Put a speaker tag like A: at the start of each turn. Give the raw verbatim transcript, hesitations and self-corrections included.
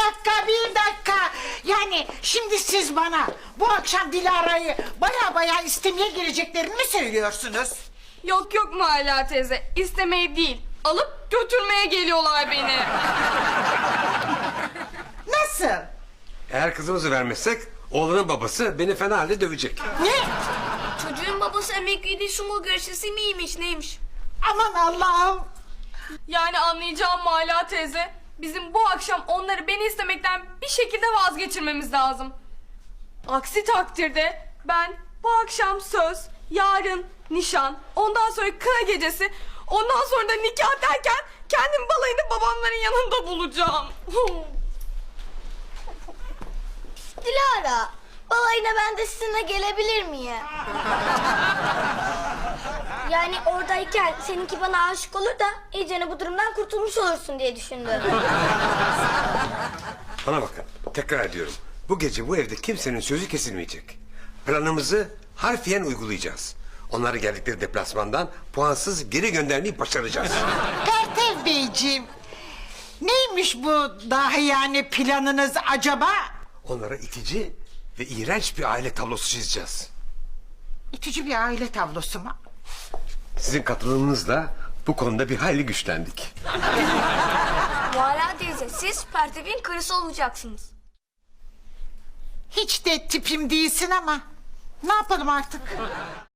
A: dakika, bir dakika. Yani şimdi siz bana bu akşam Dilara'yı baya baya istemeye geleceklerini mi söylüyorsunuz?
B: Yok yok Muhalla teyze, istemeyi değil, alıp götürmeye geliyorlar beni.
A: Nasıl?
C: Eğer kızımızı vermezsek oğlanın babası beni fena halde dövecek.
A: Ne?
D: Çocuğun babası emekliydi, sumo güreşçisi miymiş neymiş?
A: Aman Allah'ım.
B: Yani anlayacağım Muhalla teyze, bizim bu akşam onları beni istemekten bir şekilde vazgeçirmemiz lazım. Aksi takdirde ben bu akşam söz, yarın nişan, ondan sonra kına gecesi, ondan sonra da nikah derken kendim balayını babamların yanında bulacağım.
D: Dilara, balayına ben de sizinle gelebilir miyim? Yani oradayken seninki bana aşık olur da iyicene bu durumdan kurtulmuş olursun diye düşündüm.
C: Bana bakın, tekrar ediyorum. Bu gece bu evde kimsenin sözü kesilmeyecek. Planımızı harfiyen uygulayacağız. Onları geldikleri deplasmandan puansız geri göndermeyi başaracağız.
A: Pertev Beyciğim, neymiş bu dahi yani planınız acaba?
C: Onlara itici ve iğrenç bir aile tablosu çizeceğiz.
A: İtici bir aile tablosu mu?
C: Sizin katılımınızla bu konuda bir hayli güçlendik.
D: Muhalla teyze, siz Pertev'in karısı olacaksınız.
A: Hiç de tipim değilsin ama ne yapalım artık?